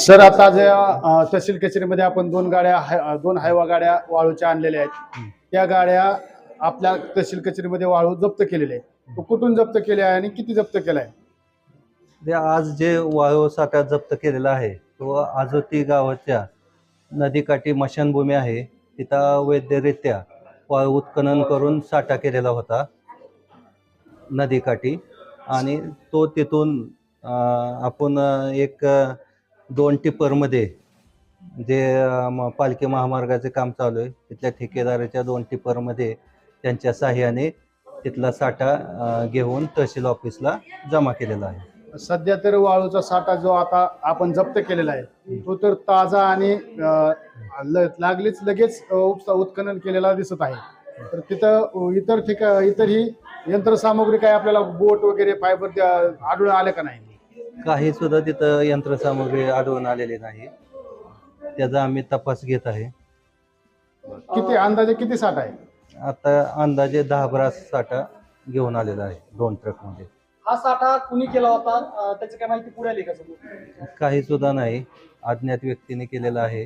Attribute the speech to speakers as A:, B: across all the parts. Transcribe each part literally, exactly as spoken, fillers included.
A: Sir आता जे अ, तहसील कचेरीमध्ये आपण दोन गाड्या हाय- दोन हायवा गाड्या वाळूच्या आणलेल्या आहेत. त्या गाड्या आपल्या तहसील कचेरीमध्ये वाळू जप्त केलेले आहे. तो कुठून जप्त केले आहे आणि किती जप्त केला आहे?
B: ते आज जे वाळू साठा जप्त केलेला आहे तो आजोती गावाच्या नदीकाठी मशानभूमी आहे, तिथं वैधरित्या वाळू उत्खनन करून साठा केलेला होता नदीकाठी. आणि तो तिथून अं, आपण अं, एक अं, दोन टिप्परमध्ये जे अं, म- पालखी महामार्गाचे काम चालू आहे तिथल्या ठेकेदाराच्या दोन टिप्परमध्ये त्यांच्या साह्याने तिथला साठा अं, घेऊन तहसील ऑफिसला जमा केलेला आहे.
A: सध्या तर वाळूचा साठा जो आता आपण जप्त केलेला आहे तो तर ताजा आणि अ, ल- लागलीच लगेच अ, उपसा उत्खनन केलेला दिसत आहे. तर तिथं अ, इतर ठिका इतरही यंत्रसामुग्री काय आपल्याला बोट वगैरे फायबर आढळून आले का नाही?
B: काही सुद्धा तिथं यंत्रसामुग्री आढळून आलेली नाही, त्याचा आम्ही तपास घेत आहे.
A: किती अंदाजे किती साठा आहे?
B: आता अंदाजे दहा बारा साठा घेऊन आलेला आहे दोन ट्रकमध्ये.
C: हा साठा कुणी केला होता अं, त्याची काय माहिती पुढे आली का समोर?
B: काही सुद्धा नाही, अज्ञात व्यक्तीने केलेला आहे.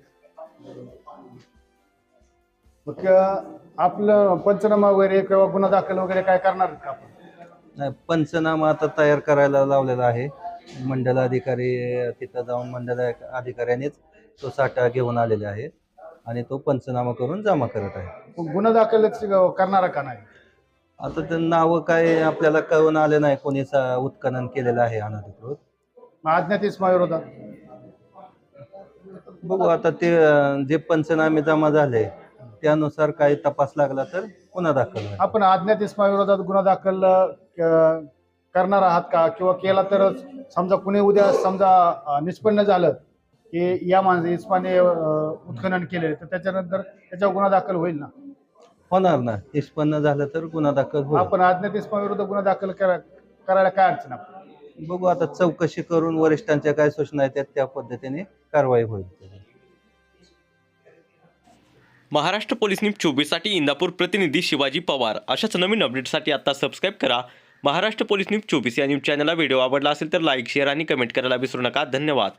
A: मग अ, आपलं पंचनामा वगैरे किंवा गुन्हा दाखल वगैरे काय करणार का आपण?
B: नाही, पंचनामा आता तयार करायला लावलेला आहे. मंडल अधिकारी तिथं जाऊन मंडल अधिकाऱ्यानेच तो साठा घेऊन आलेले आहे आणि तो पंचनामा करून जमा करत आहे.
A: मग गुन्हा दाखल करणारा का नाही?
B: आता ते नावं काय आपल्याला कळून आले नाही कोणी सा- उत्खनन केलेलं आहे अनधिकृत.
A: मग अज्ञात इसमा विरोधात
B: बघू आता ते अं, जे पंचनामे जमा झाले त्यानुसार काही तपास लागला तर पुन्हा दाखल होईल.
A: आपण अज्ञात इसमा विरोधात गुन्हा दाखल अ, क- करणार आहात का? किंवा केला तर समजा कुणी उद्या समजा अ, निष्पन्न झालं की या माणसं इस्माने अ, उत्खनन केले तर त्याच्यानंतर त्याच्यावर गुन्हा दाखल होईल ना?
B: होणार ना, निष्पन्न झालं तर गुन्हा दाखल होईल.
A: आपण अज्ञात इसमा विरोधात गुन्हा दाखल करा करायला काय अडचण आहे?
B: बघू आता चौकशी करून वरिष्ठांच्या काय सूचना आहेत त्या पद्धतीने कारवाई होईल.
D: महाराष्ट्र पोलीस न्यूज चोवीससाठी इंदापूर प्रतिनिधी शिवाजी पवार. अशाच नवीन अपडेटसाठी आता सबस्क्राईब करा महाराष्ट्र पोलीस न्यूज चोवीस या न्यूज चॅनलला. व्हिडिओ आवडला असेल तर लाईक, शेअर आणि कमेंट करायला विसरू नका. धन्यवाद.